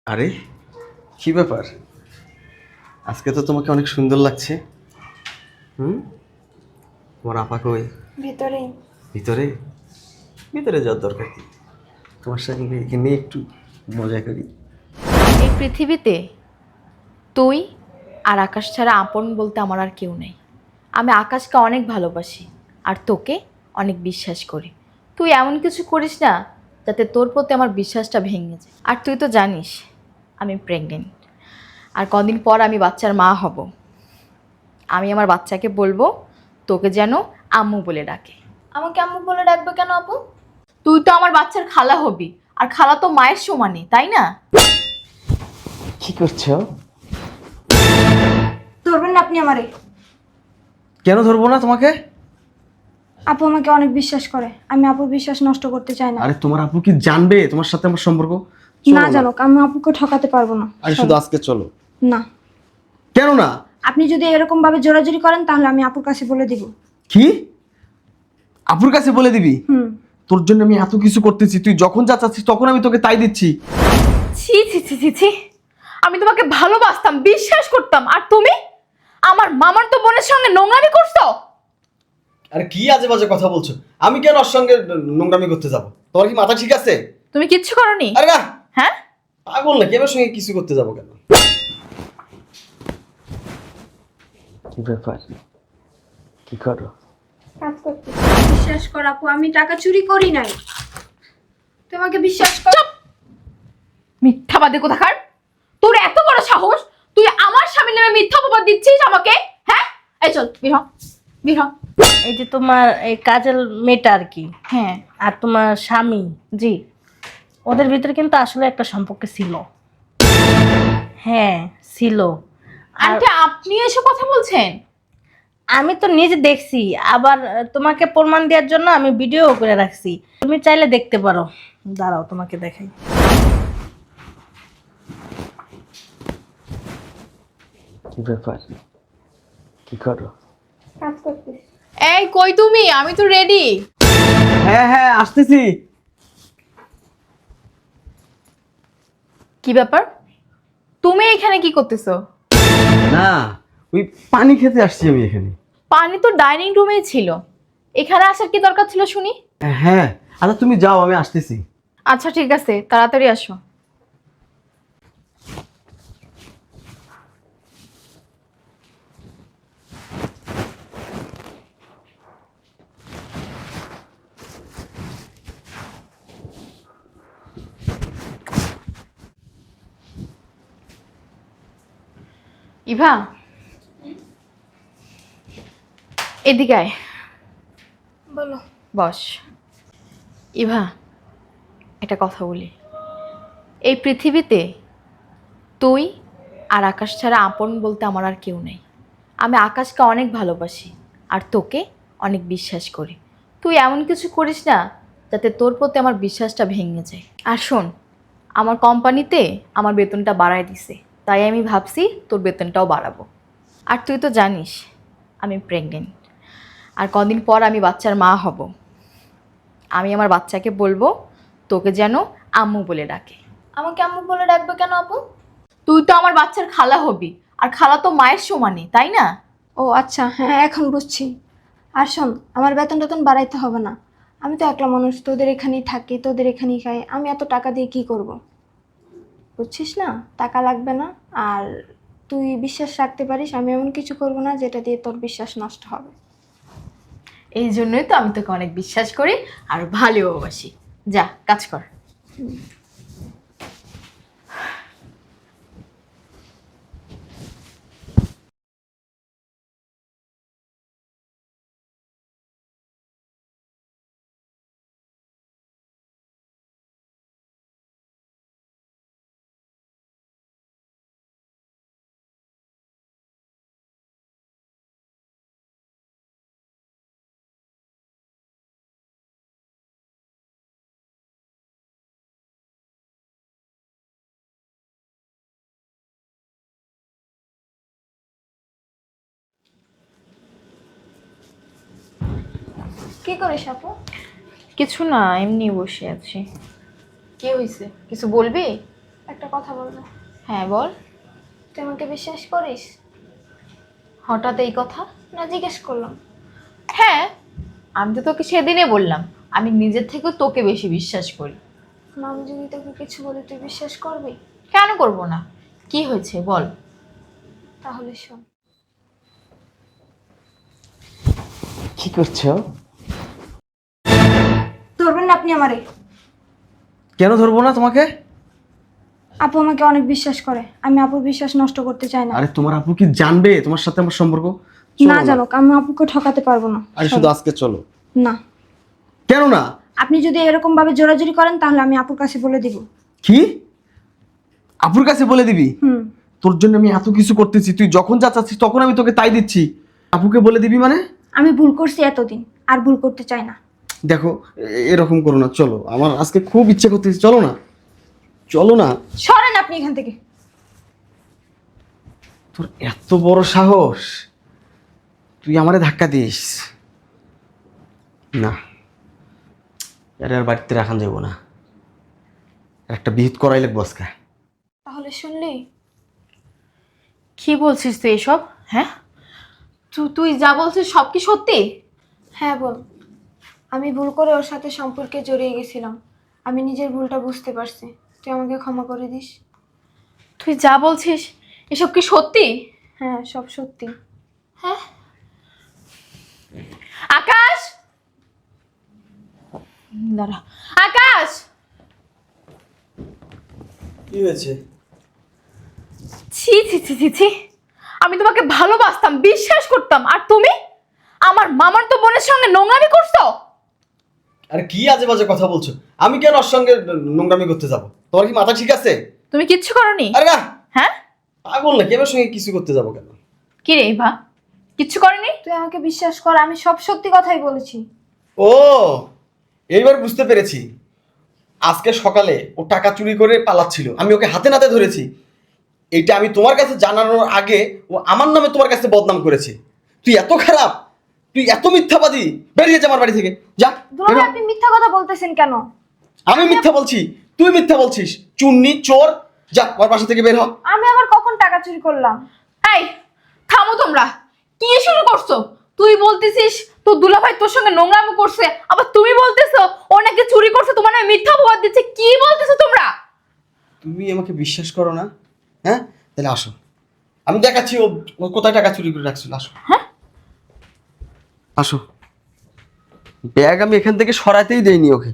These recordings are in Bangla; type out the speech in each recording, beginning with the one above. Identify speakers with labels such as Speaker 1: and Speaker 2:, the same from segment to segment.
Speaker 1: আরে কি ব্যাপার? আজকে তো তোমাকে অনেক সুন্দর লাগছে। হুম, তোমার আপা কই?
Speaker 2: ভিতরে।
Speaker 1: ভিতরে? ভিতরে যাওয়ার দরকার কি? তোমার সঙ্গে এখানে একটু মজা করি।
Speaker 3: এই পৃথিবীতে তুই আর আকাশ ছাড়া আপন বলতে আমার আর কেউ নেই। আমি আকাশকে অনেক ভালোবাসি আর তোকে অনেক বিশ্বাস করি। তুই এমন কিছু করিস না যাতে তোর প্রতি আমার বিশ্বাসটা ভেঙে যায়। আর তুই তো জানিস আমি প্রেগনেন্ট, আর কদিন পর আমি বাচ্চার মা হব। আমি আমার বাচ্চাকে বলবো তোকে যেন আম্মু বলে ডাকে। আমাকে আম্মু বলে ডাকবে কেন আপু? তুই তো আমার বাচ্চার খালা হবি, আর খালা তো মায়ের সমানে, তাই না?
Speaker 1: কি করছো?
Speaker 2: ধরবেন না আপনি আমারে।
Speaker 1: কেন ধরবো না তোমাকে?
Speaker 2: আপু আমাকে অনেক বিশ্বাস করে, আমি আপুর বিশ্বাস নষ্ট করতে চাই না।
Speaker 1: আরে তোমার আপু কি জানবে তোমার সাথে আমার সম্পর্ক?
Speaker 2: না জানুক, আমি আপুকে ঠকাতে পারবো না।
Speaker 1: আরে শুধু আজকে চলো।
Speaker 2: না,
Speaker 1: কেন না?
Speaker 2: আপনি যদি এরকম ভাবে জোরাজুরি করেন তাহলে আমি আপুর কাছে বলে দিব।
Speaker 1: কি? আপুর কাছে বলে দিবি?
Speaker 2: হুম।
Speaker 1: তোর জন্য আমি এত কিছু করতেছি, তুই যখন যা চাচ্ছিস তখন আমি তোকে তাই দিচ্ছি।
Speaker 3: ছি ছি ছি ছি ছি, আমি তোমাকে ভালোবাসতাম, বিশ্বাস করতাম, আর তুমি আমার মামার তো বোনের সঙ্গে নোংরামি করছো।
Speaker 1: আরে কি আজে বাজে কথা বলছো? আমি কেন ওর সঙ্গে নোংরামি করতে যাব? তোমার কি মাথা ঠিক আছে?
Speaker 3: তুমি কিচ্ছু করনি?
Speaker 1: আরে না,
Speaker 3: হ্যাঁ,
Speaker 1: পাগল নাকি? আমার সঙ্গে কিছু করতে যাব কেন? কি ব্যাপার? কি করো?
Speaker 2: কাজ করতে বিশ্বাস কর আপু, আমি টাকা চুরি করি নাই। তোমাকে বিশ্বাস কর।
Speaker 3: মিথ্যাবাদী কোথাকার! তোর এত বড় সাহস, তুই আমার স্বামীর নামে মিথ্যা অপবাদ দিচ্ছিস আমাকে? হ্যাঁ, এই চল বের হ, বের হ।
Speaker 4: এই যে তোমার এই কাজের মেয়েটা আর কি,
Speaker 3: হ্যাঁ
Speaker 4: আর তোমার স্বামী,
Speaker 3: জি।
Speaker 4: ওদের ভিতরে কিন্তু আসলে একটা সম্পর্ক ছিল। হ্যাঁ ছিল। আর
Speaker 3: আন্টি আপনি এসব কথা বলছেন?
Speaker 4: আমি তো নিজে দেখছি, আবার তোমাকে প্রমাণ দেওয়ার জন্য আমি ভিডিও করে রাখছি, তুমি চাইলে দেখতে পারো। দাঁড়াও তোমাকে দেখাই।
Speaker 1: কি ব্যাপার? কি করো?
Speaker 2: কাজ করতে।
Speaker 3: এই কই তুমি? আমি তো রেডি।
Speaker 1: হ্যাঁ হ্যাঁ, আসতেছি।
Speaker 3: কি ব্যাপার, তুমি এখানে কি করতেছো?
Speaker 1: না, ওই পানি খেতে আসছি আমি এখানে।
Speaker 3: পানি তো ডাইনিং রুমেই ছিল, এখানে আসার কি দরকার ছিল শুনি?
Speaker 1: হ্যাঁ, আচ্ছা তুমি যাও, আমি আসতেছি।
Speaker 3: আচ্ছা ঠিক আছে, তাড়াতাড়ি আসো। ইভা, এদিকে আয়।
Speaker 2: বলো।
Speaker 3: বস। ইভা, একটা কথা বলি। এই পৃথিবীতে তুই আর আকাশ ছাড়া আপন বলতে আমার আর কেউ নেই। আমি আকাশকে অনেক ভালোবাসি আর তোকে অনেক বিশ্বাস করি। তুই এমন কিছু করিস না যাতে তোর প্রতি আমার বিশ্বাসটা ভেঙে যায়। আর শোন, আমার কোম্পানিতে আমার বেতনটা বাড়ায় দিছে, তাই আমি ভাবছি তোর বেতনটাও বাড়াবো। আর তুই তো জানিস আমি প্রেগনেন্ট, আর কদিন পর আমি বাচ্চার মা হব। আমি আমার বাচ্চাকে বলবো তোকে যেন আম্মু বলে ডাকে। আমাকে আম্মু বলে ডাকবে কেন আপু? তুই তো আমার বাচ্চার খালা হবি, আর খালা তো মায়ের সমানে, তাই না?
Speaker 2: ও আচ্ছা, হ্যাঁ এখন বুঝছি। আর শোন, আমার বেতন টেতন বাড়াইতে হবে না। আমি তো একলা মানুষ, তোদের এখানেই থাকি, তোদের এখানেই খাই। আমি এত টাকা দিয়ে কি করব? বুঝছিস না, টাকা লাগবে না। আর তুই বিশ্বাস রাখতে পারিস, আমি এমন কিছু করব না যেটা দিয়ে তোর বিশ্বাস নষ্ট হবে।
Speaker 3: এই জন্যই তো আমি তোকে অনেক বিশ্বাস করি আর ভালোবাসি। যা কাজ কর।
Speaker 2: কি করিস আপু?
Speaker 3: কিছু না, এমনি বসে আছি। কি হয়েছে, কিছু বলবি?
Speaker 2: একটা কথা বলবো।
Speaker 3: হ্যাঁ বল।
Speaker 2: তুই আমাকে বিশ্বাস করিস?
Speaker 3: হঠাৎ এই কথা?
Speaker 2: না, জিজ্ঞেস করলাম।
Speaker 3: হ্যাঁ, আমি তো তোকে সেদিনে বললাম আমি নিজের থেকেও তোকে বেশি বিশ্বাস করি।
Speaker 2: না, আমি যদি তোকে কিছু বলি তুই বিশ্বাস করবি?
Speaker 3: কেন করব না? কি হয়েছে বল।
Speaker 2: তাহলে শোন।
Speaker 1: কি করছো?
Speaker 2: ধরবেন না আপনি আমারে।
Speaker 1: কেন ধরবো না তোমাকে?
Speaker 2: আপু আমাকে অনেক বিশ্বাস করে, আমি আপুর বিশ্বাস নষ্ট করতে চাই না।
Speaker 1: আরে তোমার আপু কি জানবে তোমার সাথে আমার সম্পর্ক?
Speaker 2: না জানুক, আমি আপুকে ঠকাতে পারবো না।
Speaker 1: আরে শুধু আজকে চলো।
Speaker 2: না,
Speaker 1: কেন না?
Speaker 2: আপনি যদি এরকম ভাবে জোরাজুরি করেন তাহলে আমি আপুর কাছে বলে দিব।
Speaker 1: কি? আপুর কাছে বলে দিবি?
Speaker 2: হুম।
Speaker 1: তোর জন্য আমি এত কিছু করতেছি, তুই যখন যা চাচ্ছিস তখন আমি তোকে তাই দিচ্ছি, আপুকে বলে দিবি মানে?
Speaker 2: আমি ভুল করছি এতদিন, আর ভুল করতে চাই না।
Speaker 1: দেখো এরকম করো না, চলো, আমার আজকে খুব ইচ্ছে করতেছে, চলো না, চলো না।
Speaker 2: সরেন আপনি এখান থেকে।
Speaker 1: তোর এত বড় সাহস, তুই আমারে ধাক্কা দিস? না, আরে আর বাড়িতে রাখান যাবো না, একটা বিহিত করাই লাগবো আজকে।
Speaker 2: তাহলে শুনলি?
Speaker 3: কি বলছিস তুই এসব? হ্যাঁ, তুই যা বলছিস সব কি সত্যি?
Speaker 2: হ্যাঁ বল। আমি ভুল করে ওর সাথে সম্পর্কে জড়িয়ে গেছিলাম, আমি নিজের ভুলটা বুঝতে পারছি, তুই আমাকে ক্ষমা করে দিস।
Speaker 3: তুই যা বলছিস এসব কি সত্যি?
Speaker 2: হ্যাঁ, সব সত্যি।
Speaker 3: হ্যাঁ। আকাশ, দাঁড়া। আকাশ,
Speaker 1: কি হয়েছে?
Speaker 3: ছি ছি ছি ছি ছি, আমি তোমাকে ভালোবাসতাম, বিশ্বাস করতাম, আর তুমি আমার মামার তো বোনের সঙ্গে নোংরামি করছো।
Speaker 1: আরে কি আজে বাজে কথা বলছো? আমি কেন ওর সঙ্গে নোংরামি করতে যাব? তোমার কি মাথা ঠিক আছে?
Speaker 3: তুমি কিচ্ছু করনি?
Speaker 1: আরে না,
Speaker 3: হ্যাঁ,
Speaker 1: পাগল নাকি? আমার সঙ্গে কিছু করতে যাব কেন?
Speaker 3: কি রে ভা, কিচ্ছু করনি?
Speaker 2: তুই আমাকে বিশ্বাস কর, আমি সব সত্যি কথাই বলেছি।
Speaker 1: ও, এইবার বুঝতে পেরেছি। আজকে সকালে ও টাকা চুরি করে পালাচ্ছিল, আমি ওকে হাতে নাতে ধরেছি। এইটা আমি তোমার কাছে জানানোর আগে ও আমার নামে তোমার কাছে বদনাম করেছে। তুই এত খারাপ, তুই এত মিথ্যাবাদী, বেরিয়ে যা আমার বাড়ি থেকে, যা।
Speaker 2: দুলাভাই,
Speaker 1: বেরো।
Speaker 2: আপনি মিথ্যা কথা বলতেছেন কেন?
Speaker 1: আমি মিথ্যা বলছি? তুই মিথ্যা বলছিস, চুন্নি চোর, যা আমার বাসা থেকে বের হ।
Speaker 2: আমি আবার কখন টাকা চুরি করলাম?
Speaker 3: এই থামো তোমরা, কি শুরু করছো? তুই বলতেছিস তোর দুলাভাই তোর সঙ্গে নোংরামি করছে, আবার তুমি বলতেছো ও নাকি চুরি করছে, তোমার নামে মিথ্যা অপবাদ দিচ্ছে। কি বলতেছো তোমরা?
Speaker 1: তুমি আমাকে বিশ্বাস করো না? হ্যাঁ, তাহলে আসো, আমি দেখাচ্ছি ও ও কোথায় টাকা চুরি করে রাখছিল। আসো।
Speaker 3: হ্যাঁ,
Speaker 1: আসো। ব্যাগ আমি এখান থেকে সরাতেই দেইনি ওকে।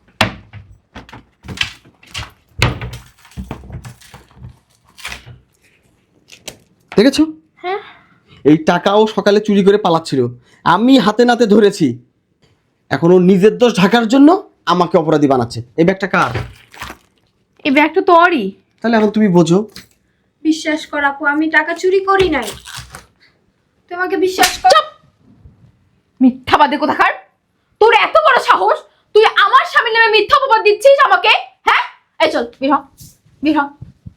Speaker 1: দেখেছো?
Speaker 3: হ্যাঁ।
Speaker 1: এই টাকাও সকালে চুরি করে পালাচ্ছিল, আমি হাতে নাতে ধরেছি। এখন ও নিজের দোষ ঢাকার জন্য আমাকে অপরাধী বানাচ্ছে। এই ব্যাগটা কার?
Speaker 3: এই ব্যাগটা তোরই।
Speaker 1: তাহলে এখন তুমি বোঝো।
Speaker 2: বিশ্বাস কর আপু, আমি টাকা চুরি করি নাই। তুই আমাকে বিশ্বাস কর।
Speaker 3: মিথ্যাবাদী কোথাকার, তোর এত বড় সাহস, তুই আমার স্বামীর নামে মিথ্যা অপবাদ দিচ্ছিস আমাকে? হ্যাঁ, এই চল বের হ, বের হ।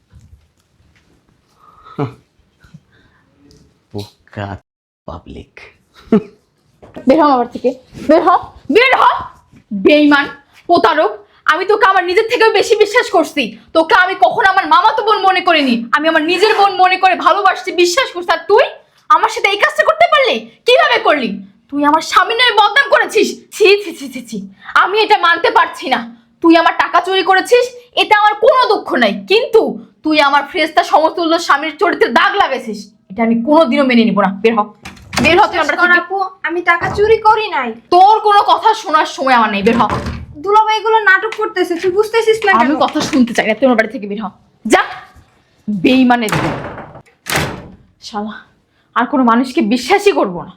Speaker 1: বোকা পাবলিক।
Speaker 3: বের হ আমার থেকে, বের হ, বের হ। বেঈমান, প্রতারক, আমি তোকে আমার নিজের থেকেও বেশি বিশ্বাস করছি। তোকে আমি কখনো আমার মামাতো বোন মনে করিনি, আমি আমার নিজের বোন মনে করে ভালোবাসছি, বিশ্বাস করছি। আর তুই আমার সাথে এই কাজটা করতে পারলি? কিভাবে করলি? তুই আমার স্বামীর নামে বদনাম করেছিস। ছি ছি ছি ছি ছি, আমি এটা মানতে পারছি না। তুই আমার টাকা চুরি করেছিস, এটা আমার কোনো দুঃখ নাই, কিন্তু তুই আমার ফ্রেস্তা সমতুল্য স্বামীর চরিত্রে দাগ লাগাইছিস, এটা আমি কোনোদিনও মেনে নিব না। বের হ, বের হ তুই
Speaker 2: বিশ্বাস
Speaker 3: আমার
Speaker 2: কর
Speaker 3: থেকে।
Speaker 2: আপু, আমি টাকা চুরি করি নাই।
Speaker 3: তোর কোনো কথা শোনার সময় আমার নেই, বের হ।
Speaker 2: দুলাভাই এগুলো নাটক করতেছে, তুই বুঝতেছিস না
Speaker 3: আমি
Speaker 2: কেন?
Speaker 3: কথা শুনতে চাই না, তুই আমার বাড়ি থেকে বের হ, যা। বেঈমানের শালা, আর কোনো মানুষকে বিশ্বাসই করব না।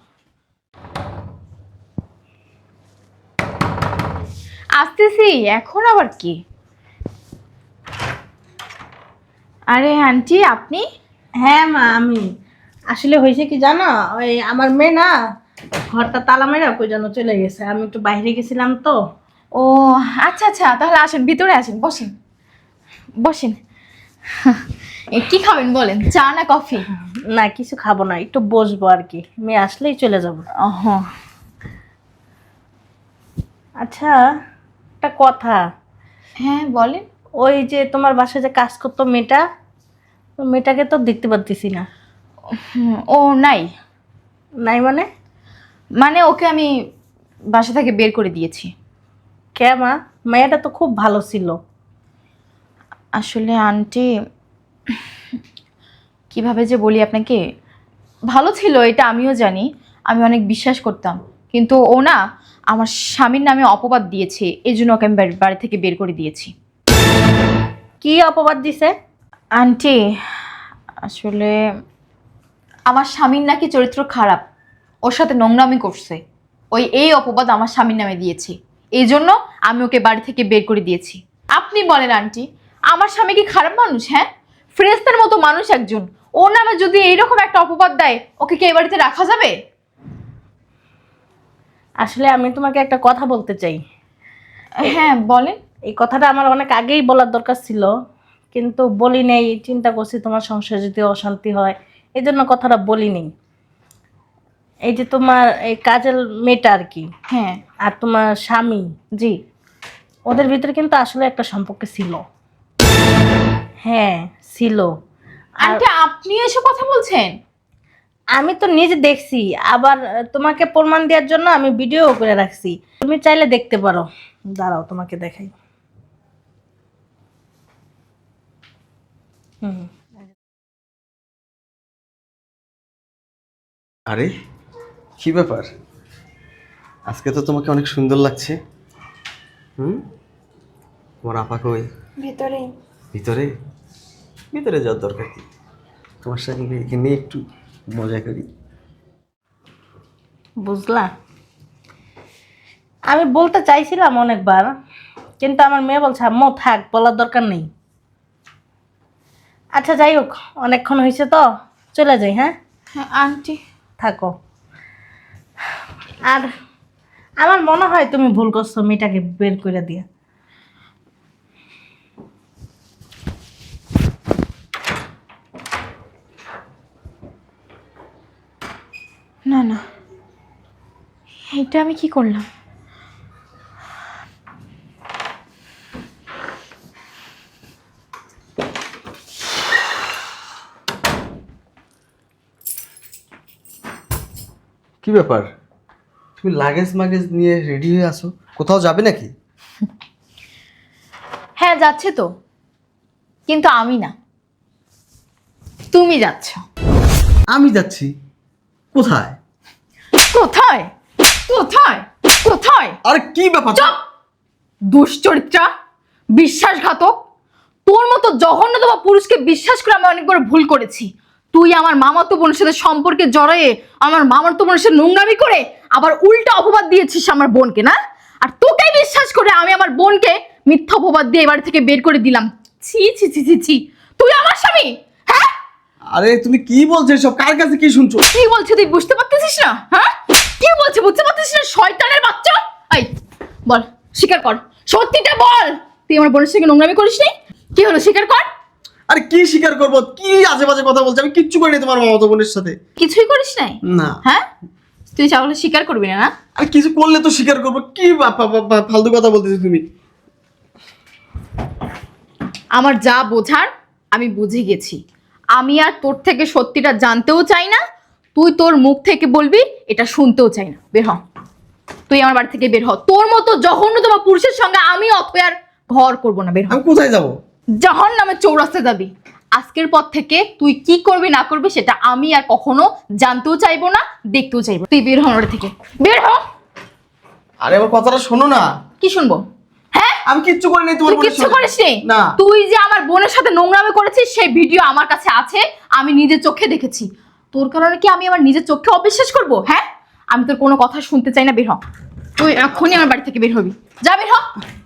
Speaker 3: আসতেছি এখন, আবার কি? আরে আন্টি আপনি?
Speaker 4: হ্যাঁ মা, আমি আসলে হয়েছে কি জানো, ওই আমার মেয়ে না ঘরটা তালা মেরা কই যেন চলে গেছে, আমি একটু বাইরে গেছিলাম তো।
Speaker 3: ও আচ্ছা আচ্ছা, তাহলে আসেন, ভিতরে আসেন, বসেন বসেন। কি খাবেন বলেন, চা না কফি?
Speaker 4: না কিছু খাবো না, একটু বসবো আর কি, মেয়ে আসলেই চলে যাব।
Speaker 3: হ্যাঁ
Speaker 4: আচ্ছা, একটা কথা,
Speaker 3: হ্যাঁ বলেন।
Speaker 4: ওই যে তোমার বাসায় যে কাজ করতো মেয়েটা, ওই মেয়েটাকে তো দেখতে পারতেছি না।
Speaker 3: ও নাই।
Speaker 4: নাই মানে?
Speaker 3: মানে ওকে আমি বাসা থেকে বের করে দিয়েছি।
Speaker 4: কে মা? মেয়েটা তো খুব ভালো ছিল।
Speaker 3: আসলে আন্টি, কিভাবে যে বলি আপনাকে, ভালো ছিল এটা আমিও জানি, আমি অনেক বিশ্বাস করতাম, কিন্তু ও না আমার স্বামীর নামে অপবাদ দিয়েছে, এই জন্য ওকে আমি বাড়ি থেকে বের করে দিয়েছি।
Speaker 4: কি অপবাদ দিছে?
Speaker 3: আন্টি আসলে আমার স্বামীর নাকি চরিত্র খারাপ, ওর সাথে নোংরামি করছে, এই অপবাদ আমার স্বামীর নামে দিয়েছে, এই জন্য আমি ওকে বাড়ি থেকে বের করে দিয়েছি। আপনি বলেন আন্টি, আমার স্বামী কি খারাপ মানুষ? হ্যাঁ, ফেরেশতার মতো মানুষ একজন, ওর নামে যদি এইরকম একটা অপবাদ দেয়, ওকে কি এই বাড়িতে রাখা যাবে?
Speaker 4: আসলে আমি তোমাকে একটা কথা বলতে চাই।
Speaker 3: হ্যাঁ বলেন।
Speaker 4: এই কথাটা আমার অনেক আগেই বলার দরকার ছিল, কিন্তু বলি নেই। চিন্তা করছি তোমার সংসারে যদি অশান্তি হয়, এই জন্য কথাটা বলি নেই। এই যে তোমার এই কাজের মেয়েটা আর কি,
Speaker 3: হ্যাঁ।
Speaker 4: আর তোমার স্বামী,
Speaker 3: জি।
Speaker 4: ওদের ভিতরে কিন্তু আসলে একটা সম্পর্ক ছিল। হ্যাঁ ছিল। আর
Speaker 3: আন্টি আপনি এসব কথা বলছেন?
Speaker 4: আমি তো নিজে দেখছি, আবার তোমাকে প্রমাণ দেওয়ার জন্য আমি ভিডিও করে রাখছি, তুমি চাইলে দেখতে পারো। দাঁড়াও তোমাকে দেখাই। হুম।
Speaker 1: আরে কি ব্যাপার, আজকে তো তোমাকে অনেক সুন্দর লাগছে। তোমার আপা কই?
Speaker 2: ভেতরে।
Speaker 1: ভিতরে? ভিতরে যাওয়ার দরকার কি, তোমার সঙ্গে এখানে একটু মজা করি।
Speaker 4: বুঝলা, আমি বলতে চাইছিলাম অনেকবার, কিন্তু আমার মেয়ে বলছে আম্মু থাক, বলার দরকার নেই। আচ্ছা যাই হোক, অনেকক্ষণ হয়েছে তো, চলে যাই। হ্যাঁ
Speaker 3: হ্যাঁ আন্টি।
Speaker 4: থাকো। আর আমার মনে হয় তুমি ভুল করছো মেয়েটাকে বের করে দিয়ে।
Speaker 3: না না, এটা আমি কি করলাম?
Speaker 1: কি ব্যাপার, তুমি লাগেজ মাগেজ নিয়ে রেডি হয়ে আসো, কোথাও যাবে নাকি?
Speaker 3: হ্যাঁ যাচ্ছে তো, কিন্তু আমি না, তুমি যাচ্ছ।
Speaker 1: আমি যাচ্ছি? কোথায়?
Speaker 3: কোথায় কোথায় কোথায়?
Speaker 1: আরে কি ব্যাপার?
Speaker 3: চুপ! দুশ্চরিত্রা, বিশ্বাসঘাতক, তোর মতো জঘন্যতম পুরুষকে বিশ্বাস করে আমি অনেক বড় ভুল করেছি। তুই আমার মামাতো বোনের সাথে সম্পর্কে জড়ায়ে আমার মামাতো বোনের সাথে নোংরামি করে আবার উল্টা অপবাদ দিয়েছিস আমার বোনকে, না? আর তোকে বিশ্বাস করে আমি আমার বোনকে মিথ্যা অপবাদ দিয়ে এবার থেকে বের করে দিলাম। ছি ছি ছি ছি ছি, তুই আমার স্বামী? হ্যাঁ?
Speaker 1: আরে তুমি কি বলছো এসব, কার কাছে কি শুনছো?
Speaker 3: কি বলছে তুই বুঝতে পারতেছিস না? হ্যাঁ, কি বলছে বুঝতে পারতেছিস না? শয়তানের বাচ্চা! এই বল, স্বীকার কর, সত্যিটা বল, তুই আমার বোনের সঙ্গে নোংরামি করিস নি? কি হলো, স্বীকার কর।
Speaker 1: আরে কি স্বীকার করবো, কি আজে বাজে কথা বলছো, আমি কিচ্ছু করিনি তোমার মামাতো বোনের সাথে।
Speaker 3: কিছুই করিস নাই?
Speaker 1: না।
Speaker 3: হ্যাঁ, তুই তাহলে স্বীকার করবি না? না,
Speaker 1: আর কিছু করলে তো স্বীকার করবো, কি ফালতু কথা বলতেছো তুমি।
Speaker 3: আমার যা বোঝার আমি বুঝে গেছি, আমি আর তোর থেকে সত্যিটা জানতেও চাই না, তুই তোর মুখ থেকে বলবি এটা শুনতেও চাই না। বের হ, তুই আমার বাড়ি থেকে বের হ। তোর মতো জঘন্যতম পুরুষের সঙ্গে আমি অথই আর ঘর করবো না। বের হ।
Speaker 1: আমি কোথায় যাবো?
Speaker 3: জাহান্নামের চৌরাস্তায় যাবি। আজকের পর থেকে তুই কি করবি না করবি সেটা আমি আর কখনো জানতেও চাইবো না, দেখতেও চাইবো। তুই বের হ আমার থেকে, বের হ।
Speaker 1: আরে আমার কথাটা শোনো না।
Speaker 3: কি শুনবো? হ্যাঁ,
Speaker 1: আমি কিচ্ছু করিনি তোমার
Speaker 3: তুই
Speaker 1: বোনের
Speaker 3: কিচ্ছু
Speaker 1: সাথে।
Speaker 3: করিসনি?
Speaker 1: না।
Speaker 3: তুই যে আমার বোনের সাথে নোংরামি করেছিস সেই ভিডিও আমার কাছে আছে, আমি নিজের চোখে দেখেছি। তোর কারণে কি আমি আমার নিজের চোখে অবিশ্বাস করব? হ্যাঁ, আমি তোর কোনো কথা শুনতে চাই না, বের হ। তুই এখনই আমার বাড়ি থেকে বের হবি, যা বের হ।